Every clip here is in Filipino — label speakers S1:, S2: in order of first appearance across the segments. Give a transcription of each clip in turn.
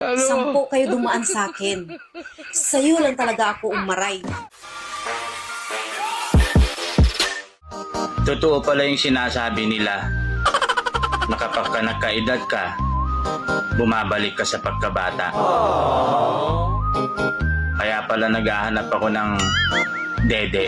S1: 10 kayo dumaan sa akin. Sa'yo lang talaga ako umaray.
S2: Totoo pala yung sinasabi nila na kapag ka nagkaedad ka, bumabalik ka sa pagkabata. Kaya pala naghahanap ako ng dede.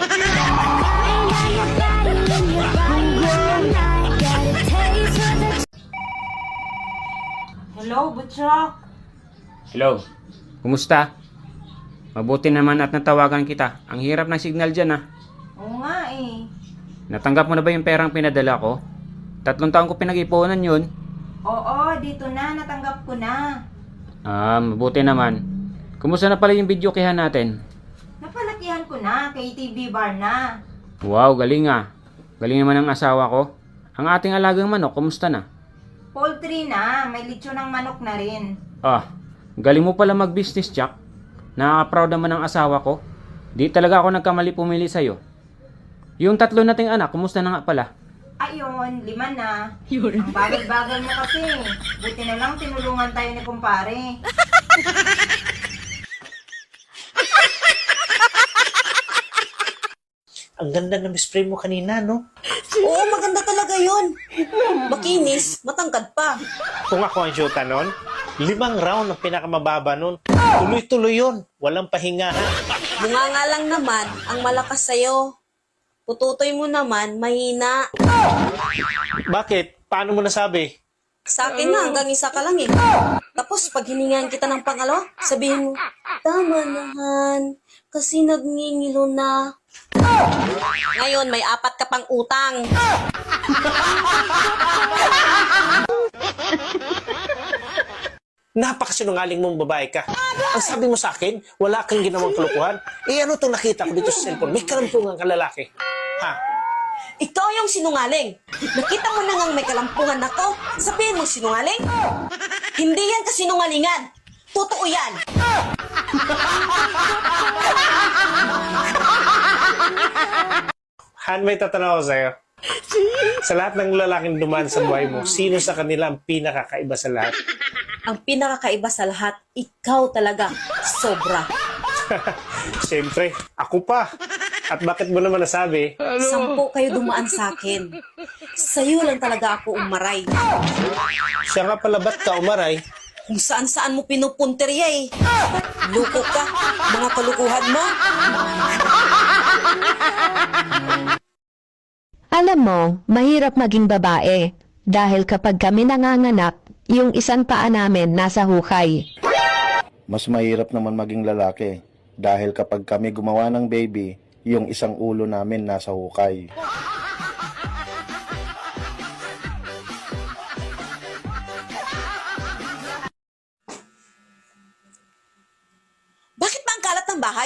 S1: Hello, Butchok.
S3: Hello, kumusta? Mabuti naman at natawagan kita. Ang hirap ng signal dyan
S1: Oo nga eh.
S3: Natanggap mo na ba yung perang pinadala ko? 3 taon ko pinag-ipunan yun.
S1: Oo, dito na. Natanggap ko na.
S3: Mabuti naman. Kumusta na pala yung video kihan natin?
S1: Napalakihan ko na. Kay TV Bar na.
S3: Wow, galing Galing naman ang asawa ko. Ang ating alagang manok, kumusta na?
S1: Poultry na. May lechon ng manok na rin.
S3: Galing mo pala mag-business, Jack. Nakaka-proud naman ang asawa ko. Di talaga ako nagkamali pumili sa'yo. Yung 3 nating anak, kumusta na nga pala?
S1: Ayun, 5 na. Ang bagal-bagal mo kasi. Buti na lang tinulungan tayo ni kumpare.
S4: Ang ganda ng spray mo kanina, no?
S1: Oo, maganda talaga yun. Makinis, matangkad pa.
S4: Kung ako ang shoota nun, 5 round ang pinakamababa nun. Tuloy-tuloy yun. Walang pahinga, ha?
S1: Bunga nga lang naman ang malakas sa'yo. Pututoy mo naman, mahina.
S4: Bakit? Paano mo nasabi?
S1: Sa akin na, hanggang 1 ka lang eh. Tapos, pag hiningan kita ng pangalawa, sabihin mo, tama nahan, kasi nagngingilo na. Ngayon, may 4 ka pang utang.
S4: Napakasinungaling mong babae ka. Ang sabi mo sa akin, wala kang ginawang kalukuhan. Ano itong nakita ko dito sa cellphone? May kalampungan ka lalaki. Ha?
S1: Ikaw yung sinungaling. Nakita mo na ngang may kalampungan ako. Sabihin mo sinungaling? Hindi yan kasinungalingan. Totoo yan.
S4: Han, may tatanong ako sa'yo. Sa lahat ng lalaking dumaan sa buhay mo, sino sa kanila ang pinakakaiba sa lahat?
S1: Ang pinakakaiba sa lahat, ikaw talaga. Sobra.
S4: Siyempre, ako pa. At bakit mo naman nasabi?
S1: 10 kayo dumaan sa akin. Sa'yo lang talaga ako umaray.
S4: Siya nga pala, ba't ka umaray?
S1: Kung saan-saan mo pinupunteriya eh. Luko ka. Mga kalukuhan mo.
S5: Alam mo, mahirap maging babae dahil kapag kami nanganganak, yung isang paa namin nasa hukay.
S6: Mas mahirap naman maging lalaki dahil kapag kami gumawa ng baby, yung isang ulo namin nasa hukay.
S1: Bakit ba ang kalat ng bahay?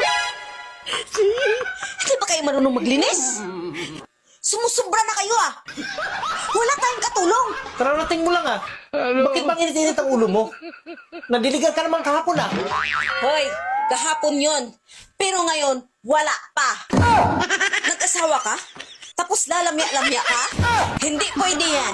S1: Hindi ba kayo marunong maglinis? Sumusubra na kayo ah. Wala tayong katulong.
S4: Kararating mo lang ah. Bakit bang init-init ang ulo mo? Nadiligan ka naman kahapon ah.
S1: Hoy, kahapon yon. Pero ngayon, wala pa. Nag-asawa ka? Tapos lalamya-lamya ka? Hindi pwede yan.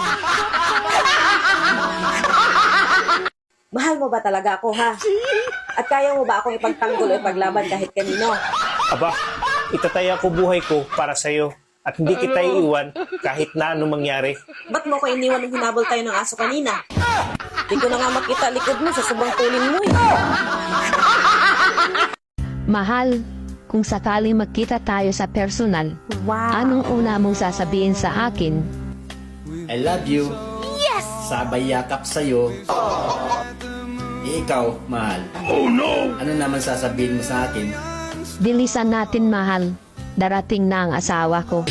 S1: Mahal mo ba talaga ako, ha? At kaya mo ba akong ipagtanggol o ipaglaban kahit kanino?
S4: Aba, itataya ko buhay ko para sa'yo. At hindi kita iiwan kahit na anong mangyari.
S1: Ba't mo ko iniwan nung hinabol tayo ng aso kanina? Di ko na nga makita likod mo sa sobrang tulin mo eh.
S5: Mahal, kung sakaling magkita tayo sa personal, anong una mong sasabihin sa akin?
S7: I love you. Yes! Sabay yakap sa'yo. Ikaw, mahal. Oh no! Ano naman sasabihin mo sa akin?
S5: Bilisan natin, mahal. Darating na ang asawa ko.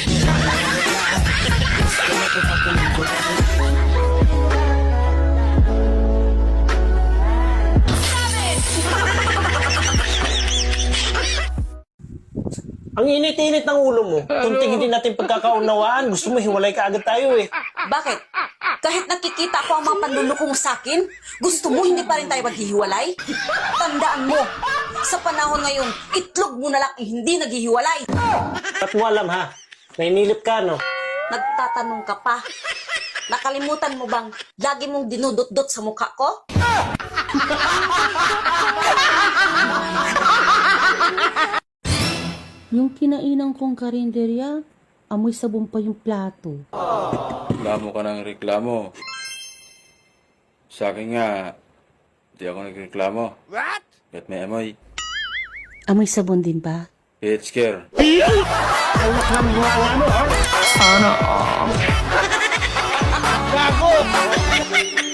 S4: Ang init-init ng ulo mo. Kunting hindi natin pagkakaunawaan. Gusto mo hiwalay ka agad tayo eh.
S1: Bakit? Kahit nakikita ko ang mga panluloko mo sa akin, gusto mo hindi pa rin tayo maghihiwalay? Tandaan mo, sa panahon ngayon, itlog mo na lang hindi naghihiwalay.
S4: Ba't mo alam ha? Nainilip ka no?
S1: Nagtatanong ka pa. Nakalimutan mo bang lagi mong dinudot-dot sa mukha ko?
S8: Yung kinainan kong karinderya, amoy sabon pa yung plato.
S9: Reklamo ka ng reklamo. Sa akin nga, di ako nagreklamo. What? Ba't may amoy?
S8: Amoy sabon din ba?
S9: It's scare.
S4: Gago!